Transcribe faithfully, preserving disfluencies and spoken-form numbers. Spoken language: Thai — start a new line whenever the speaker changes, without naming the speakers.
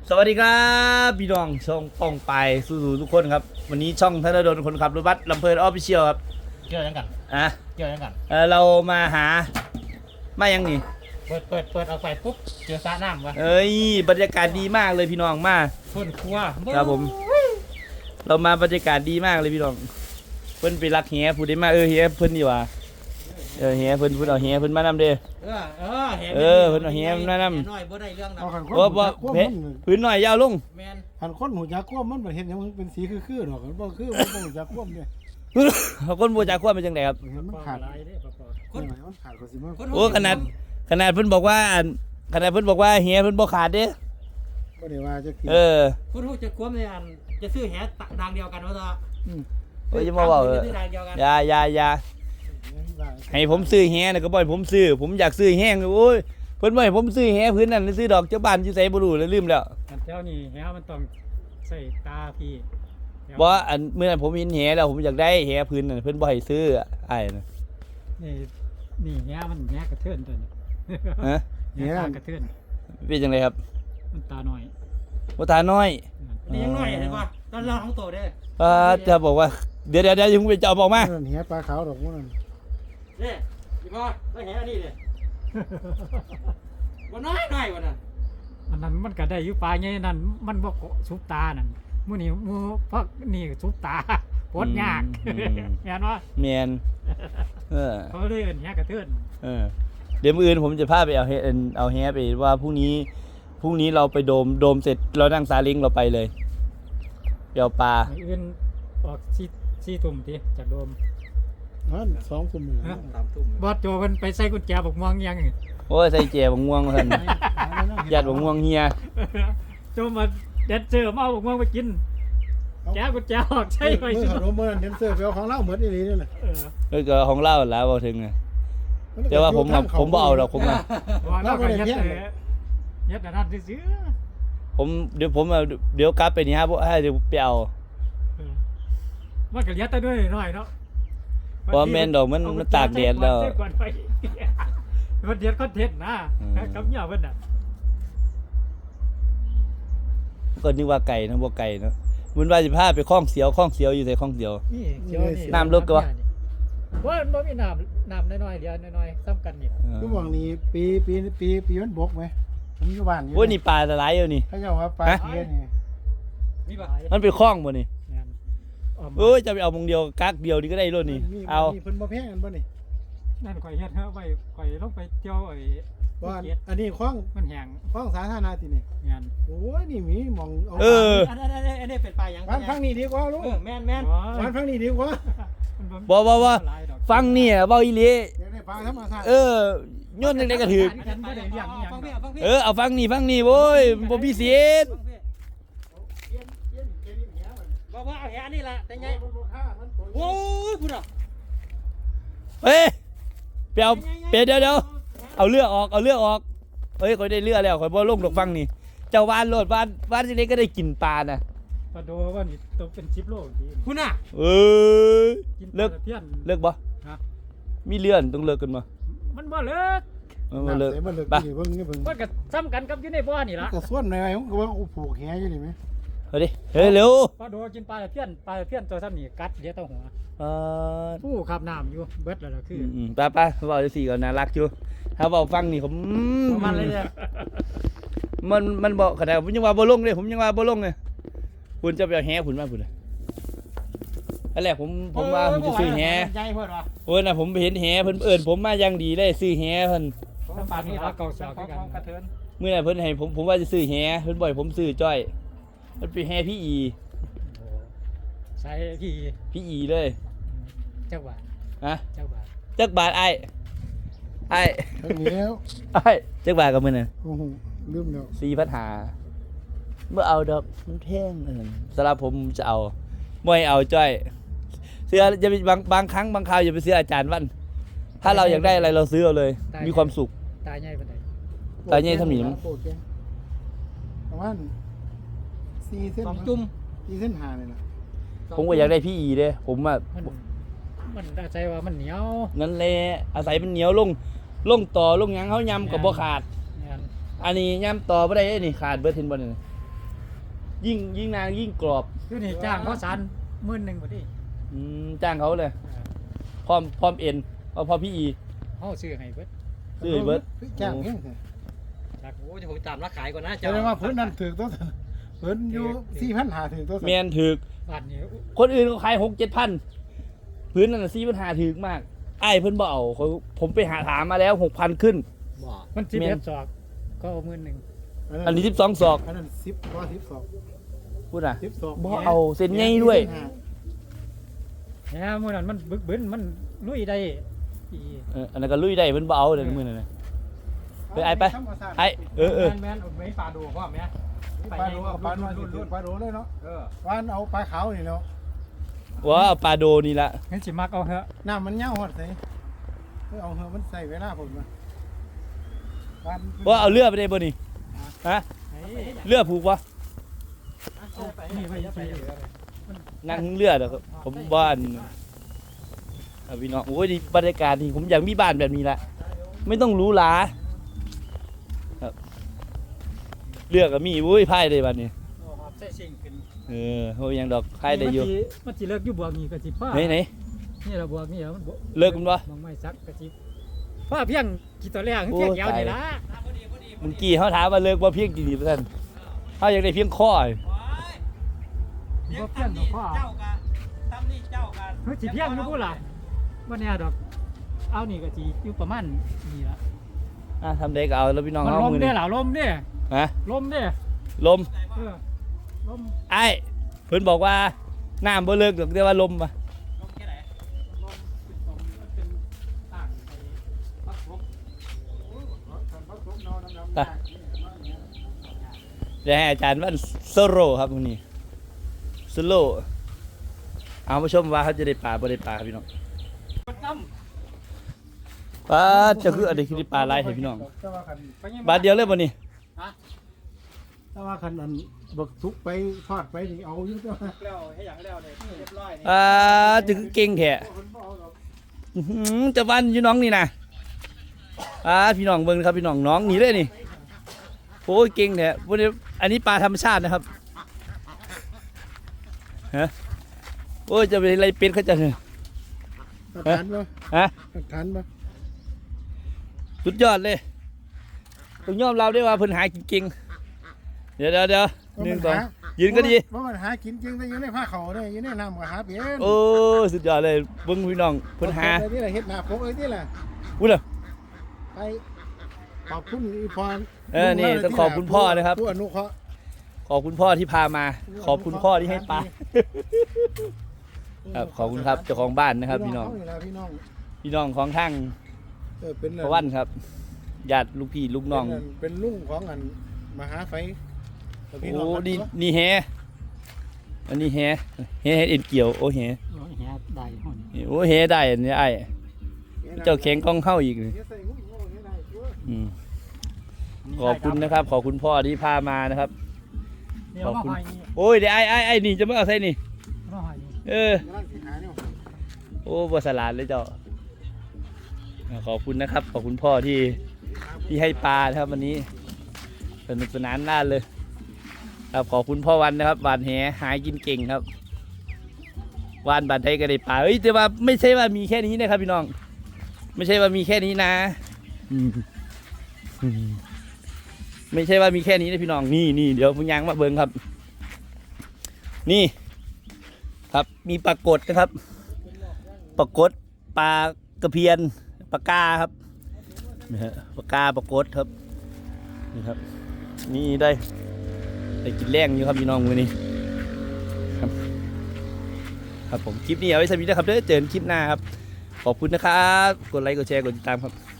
สวัสดีครับพี่น้องช่องป้องไปสู่ทุกคนครับวันนี้ช่องธนดลคนขับรถบัสลำเพลินออฟฟิเชียลครับ
เกี่ยวยังกัน
อ่ะ
เกี่ยวยังกัน
เออเรามาหามายังนี่
เปิดเปิดเปิดเอาไฟปุ๊บเจอสระน้ำวะ
เอ้ยบรรยากาศดีมากเลยพี่น้องมา
คนครัว
ครับผมเรามาบรรยากาศดีมากเลยพี่น้องเพิ่นไปรักเฮียพูดได้มาเออเฮียเพิ่นดีว่าเออเฮียเพิ่นเพิ่นเอาเฮียเพิ่นมานำเด้อ
เออเออ
เออเพิ่นเอาเฮียมานำ
น้อยบ่ได้เรื่องนะ
โอ้บ่เพพื้นหน่อยยาวลง
แม่นหันคนหูจักควบมันบ่เห็นหยังมันเป็นสีคือๆดอกมันบ่คือมันบ่หูจักควบเนี่ย
คนบ่จักควบเป็นจังได๋ครับ
เห็นมันขาดคนมันขาดก็สิมา
โอ้ขนาดขนาดเพิ่นบอกว่าขนาดเพิ่นบอกว่าเฮียเพิ่นบ่ขาดเด้
บ่ได้ว่าจักที
เออ
คุณฮู้จักความในอันจะซื้อแหทางเดียวกันว่าต่อ
อืมโอ้ยอย่ามาเว้าเอออย่าอย่าอย่าให้ผมซื้อแฮน่ะก็บ่ให้ผมซื้อผมอยากซื้อแฮงโอ้ยเพิ่นบ่ให้ผมซื้อแฮพื้นนั่นซื้อดอกเจ้าบ้านอยู่ไสบ่รู้เลยลืมแล้ว
อันเจ้านี่แฮมันต้องใส่ตาพี่
บ่อันเมื่อนั้นผมเห็นแฮแล้วผมอยากได้แฮพื้นนั่นเพิ่นบ่ให้ซื้ออ้ายน่ะ
นี่นี่แฮมันแฮกระเทือนตัวนี้
ฮะ
แฮกระเทือน
เป็นจังไดครับ
มันตาน้อย
บ่ตาน้อย
นี่ยังน้อยเห็นบ่ตอนเราของโตเด้อ
อ่าจะบอกว่าเดี๋ยวๆๆอย่าเพิ่งไปจับออกมา
นั่นแหปลาขาวดอกมันนั่น
เด้อีบ่แล้วแหอันนี้เด้บ่น้อยน้อยกว่านั้น
อันนั้นมันก็ได้อยู่ปลาใหญ่นั่นมันบ่สุบตานั่นมื้อนี้มื้อพักนี่สุบตาปวดยากแม่นบ่
แม่นเออ
เขาเลยเอิ้นแฮกระเทือน
เออเดี๋ยวมื้ออื่นผมจะพาไปเอาแฮเอาแฮไปว่าพรุ่งนี้พรุ่งนี้เราไปโดมโดมเสร็จเรานั่งซาเล้งเราไปเลยเดี๋ยวปลา
อื่นออกสี่ สี่ทุ่มติจากโดม
นั่นสองทุ่มนี่สามทุ่ม
บอสโจเพิ่นไปใส่กุญแจบักม่วงยัง
โอ้ยใส่แจบักม่วงเพิ่นญาติบักม่วงเฮีย
โจมาแดนเซอร์มาเอาบักม่วงไปกินแกกุญแจออกใช่ไป
มื้อขนมมื้อนั้นแดนเซอร์ไปเอาของเราหมดอีหลีนี่แหละ
เออก็ของเราแล้วบ่ถึงแต่ว่าผมผมบ่เอาดอกผมนะ
เราก็ยัดยัดอันนั้นซื่อ
ผมเดี๋ยวผมเดี๋ยวกลับไปนี่ฮะให้เดี๋ยวไปเอา
มันก็ยัดได้ด้วยหน่อยเนาะ
เพราะแม่นดอกมันมันตากแดดแล้ว
มันเดือดคอนเทนต์นะกับเหยาเพิ่นน่ะ
ก็นึกว่าไก่นะบ่ไก่เนาะมันว่าสิพาไปคลองเสียวคลองเสียวอยู่ไสคลองเสียว
นี่เสียวนี่
น้ำลึกกว่า
บ่บ่มีน้ำน้ำน้อยๆเดียวน้อยๆซ้ำกันนี่
คือหวังนี้ปีปีปีปีมันบกมั้ยผมอยู่บ้านอยู่
โอ้ยนี่ปลาหลายอยู่นี่
เขาเจ้าว่าปลาเพี้ยนี่
มีบ่มันเป็นคลองบ่นี่โอ้ยจะไปเอามงเดียวกักเดียวนี่ก็ได้รถนี่เอา
เพิ่นบ่แพงกันบ่นี่
นั่นข่อยเฮ็ดเฮาไว้ข่อยลงไปเที่ยวไอ้
บ่อันนี้คลอง
มันแห้ง
คลองสาธารณะตินี่
งาน
โอ้ยนี่มีหม่อง
เออ
อันนั้นอันนี้เป็นปลาหยัง
บ้านฟังนี่ดีกว่าลูก
เออแม่น
ๆบ้านฟังนี่ดีกว่า
บ่บ่ๆฟังนี่เว้าอีหลี
อยากได้ปลาธรรมชาติ
เออโยนจังได๋ก็ถูกเออเอาฟังนี่ฟังนี่โว้ยบ่มีเสียด
บอกว่าเอาแหนี่ล่ะแต่ไงโอ้ยพูดอ่ะ
เฮ้ยไปเอาไปเดี๋ยวเดี๋ยวเอาเลือกออกเอาเลือกออกเฮ้ยข่อยได้เลือกแล้วข่อยบ่ลงดอกฟังนี่เจ้าบ้านโลดบ้านบ้านสิเล็กก็ได้กินปลาน่ะ
ปลาโดว่านี่ตกเป็นสิบโลดี
คุณน่ะ
เอ้ยเลิกเลิกบ่ฮะมีเลื่อนต้องเลิกกันบ่
มันบ่เลิก
มันเลิก
มันเลิกนี่เบิ่งนี่เบิ่ง
มันก็ซ้ำกันกับอยู่ในบ่อนี่ล่ะ
ก็ส่วนหน่อยผมก็ว่าผูกแหอยู่นี่มั้ย
เฮ้ยเฮ้ยเร็ว
ปลาโดกินปลาเพี้ยนปลาเพี้ยนตัวซ้ำนี่กัดเดี๋ยวต้องหัว
เออ
ผู้ขับน้ำอยู่เบิดแล้วล่ะคือ
อืมๆไปๆเว้าจังซี่ก็น่ารักอยู่ถ้าเว้าฟังนี่ผม
มันเลยเนี่ย
มันมันบ่ขนาดผมยังว่าบ่ลงเลยผมยังว่าบ่ลงเลยคุณจะไปเอาแหคุณมาพุ่นน่ะอันแรกผมผมว่าผมจะซื้อแห
ใหญ่เพิ่นว่ะ
โอ้ยน่ะผมไปเห็นแหเพิ่นเอิ้นผมมาอย่างดีเลยซื้อแหเพิ่น
ปลานี่ละเก่าสาวคือกันกระเทิน
มื้อนั้นเพิ่นให้ผมผมว่าจะซื้อแหเพิ่นบ่ให้ผมซื้อจ้อยมันเป็นแหพี่อี
ใส่พี่
พี่อีเลย
จักบาท
ฮะ
จักบาท
จักบาทอ้ายอ้าย
แล้ว
อ้ายจักบาทก็มื้อนั้น
โอ้โหลืมแล้ว
สี่พันห้าร้อยเมื่อเอาดอกมันแพงเอิ้นสำหรับผมจะเอาบ่ให้เอาจ้อยเสื้อจะมีบางบางครั้งบางคราวอย่าไปซื้ออาจารย์วันถ้าเราอยากได้อะไรเราซื้อเอาเลยมีความสุข
ตาใหญ่ปานใด
ตาใหญ่เท่านี้มั้ง
ประมาณสี่เส้น
สองจุ่ม
สี่เส้นห้านี่ล่ะ
ผมก็อยากได้พี่อีเด้ผมอ่ะ
มันอาศัยว่ามันเหนียว
นั่นแหละอาศัยมันเหนียวลงลงต่อลงหยังเฮายำก็บ่ขาดอันนี้ยำต่อบ่ได้นี่ขาดเบิดเห็นบ่นี่ยิ่งยิ่งนานยิ่งกรอบ
อยู่นี่จ้างเขาสารหมื่นหนึ่งพอดี
อืมจ้างเขาเลยพร้อมพร้อมเอ็นเอาพร้อมพี่อี
เขาซื้อให้เบิด
ซื้อให้เบิด
จ้างเพียง
จากโอ้ยผมตามราขายก่อนนะ
แสดงว่าพื้นนั้นถือตัวพื้นอยู่สี่พันหาถือตัว
แมนถึก
บ้านนี้
คนอื่นเขาขายหกเจ็ดพันพื้นนั่นสี่ปัญหาถึกมากไอ้ายเพิ่นบ่เอาเขาผมไปหาถามมาแล้วหกพันขึ้น
บ่
มันสิบ
แม่น
เอ็ดศอกก็เอาหมื่นหนึ่ง
อันนี้สิบสองศอก
อันนั้นสิบว่าสิบสอง
พูดนะ
สิบสอง
บ่เอาเส้นใหญ่ด้วย
เนี่ยมื่อนั้นมันบึกบึนมันลุยได้อี
เอออันนั้นก็ลุยได้เพิ่นบ่เอาเดี๋ยวมื้อนั้นน่ะ ไปไอ้ไปไอ้เออเออ
แมนแมนเอาไม่ปลาดูพ่อแม่
ปลาโดเอาปลาโดปลาโดเลยเนาะ
เออ
วานเอาปลาขาวนี่เนาะ
ว่าเอาปลาโดนี่ละ
งั้นสิมักเอาเหอะ
น้ำมันเน่าหอดใส่เอาเหอะมันใส่เวลาผมมา
ว่าเอาเรือไปได้บ่นี่ฮะเรือผูกวะ
นี่ไปไป
นั่งเรือเด้อครับผมบ้านเอาพี่น้องโอ้ยดีบรรยากาศนี่ผมอยากมีบ้านแบบนี้ละไม่ต้องหรูหราครับเรือก็มีโอ้ยพายได้บัดนี้
ใส่สิ่งขึ้น
เออโอ้ยยังดอกพายได้อยู่
มันสิเลิกอยู่บวกนี่ก็สิพ่อ
ไหนไหน
นี่เราบวกนี่มัน
เลิกมันบ่
มองไม่ซักก็สิพ่อเพียงกี่ตัวแรกเพียงยาวนี่ละ
เมื่อกี้เขาถามว่าเลิกว่าเพียงกี่ดีเปอร์เซ็นต์เขาอยากได้เพียงข้อ
บ่เพียงดอกพ่อ
เจ้ากันทำนี่เจ้ากัน
เฮ้ยสิเพียงอยู่พูดล่ะบ่แน่ดอกเอานี่ก็สิอยู่ประมาณนี่ละ
อ่ะทำได้ก็เอาแล้วพี่น้อง
มัน
เอา
ลม
มือ
เด้
นี่
ล่ะลมเด้
ฮะ
ลมเด้
ลม
เออลม
ไอ้เพิ่นบอกว่าน้ำบ่เลิกดอกแต่ว่าลมอ่ะ
ลงแค่ไหน
ลมเป็นลมมันเป็นต่างไอ้พักลม
เดี๋ยวให้อาจารย์วันโซโลครับวันนี้โซโลเอามาชมว่าเขาจะได้ปลาบ่ได้ปลาครับพี่น้องปลาจะคืออะไรคือได้ปลาอะไรให้พี่น้องบาทเดียวเลยบ่นี่
ถ้าว่าคันอันบักทุกไปทอดไปนี่เอาอยู่ตัว
แล้วให้อย่างแล้วเนี่ยเรียบร้อยนี่
อ่าจะคือเก่งแท้อื้อหือจะวันอยู่น้องนี่นะอ่าพี่น้องเบิ่งครับพี่น้องน้องหนีเลยนี่โอ้ยเก่งแท้วันนี้อันนี้ปลาธรรมชาตินะครับฮะโอ้ยจะเป็นอะไรเป็ดเขาจะเนี่ย
ทานบ่
ฮะ
ทานบ่
สุดยอดเลยต้องยอมรับได้ว่าเพิ่นหากินเก่งเดี๋ยวเดี๋ยวเดี๋ยวหนึ่งสองยืนก็ดี
ว่ามันหากินจริงแต่อยู่ในผ้าเขาเนี่ยอยู่ในน้ำก็หาเป็น
โอ้สุดยอดเลยเบิ่งพี่น้องเพิ่นหา
อะไรนี่แหละเฮ็ดหน้าพกเลยนี่แหละ
อุ้ยเหรอ
ไปขอบคุณอีพร
เออนี่ต้องขอบคุณพ่อนะครับ
ผู้อนุเคราะห์
ขอบคุณพ่อที่พามา ขอบคุณพ่อที่ให้ปลาครับขอบคุณครับเจ้าของบ้านนะครับพี่น้อง
พี่น้องพี่น้อง
พี่น้องของทั้ง
เออเป็น
พระวันครับญาติลูกพี่ลูกน้อง
เป็นเป็นลุงของอันมหาไฟพี่น้อง
โอ้
กัน
นี่
เนาะ
นี่แฮอันนี้แฮแฮเอ็นเกี่ยวโอ้แฮ
โอ้ยแหได้ห้อง
โอ้แฮได้อันนี้ไอ้เจ้าแข็งกล้องเข้าอีกเลย
เฮ็ดใส่หุ้ยโง่เฮ็ดได้ชัวร์
อืมขอบคุณนะครับ ขอบคุณพ่อที่พามานะครับ
เดี๋ยวมาหอยนี่
โอ้ยเดี๋ยวไอ้ไอ้ไอ้นี่จะไม่เอาใส่นี่
มาหอยนี่
เออ
กำลังสิหาเนี่ย
โอ้บสลาดเลยเจ้าอ่าขอบคุณนะครับ ขอบคุณพ่อที่ที่ให้ปลานะครับวันนี้สนุกสนานน่าเลยครับขอบคุณพ่อวันนะครับหวานแหหายกินเก่งครับวานบานไทยก็ได้ปลาเฮ้ยแต่ว่าไม่ใช่ว่ามีแค่นี้นะครับพี่น้อง ไม่ใช่ว่ามีแค่นี้นะอืมอืมไม่ใช่ว่ามีแค่นี้นะพี่น้องนี่นี่เดี๋ยวพุ่งยางมาเบิ้งครับ นี่ ครับมีปลากดนะครับปลากดปลากระเพียนปลากาครับนะฮะปลากาปลากดครับนี่ครับนี่ได้ได้กินแรงอยู่ครับพี่น้องวันนี้ครับครับผมคลิปนี้เอาไว้สำหรับนี้นะครับเด้อเจอกันคลิปหน้าครับขอบคุณนะครับกดไลค์กดแชร์กดติดตามครับ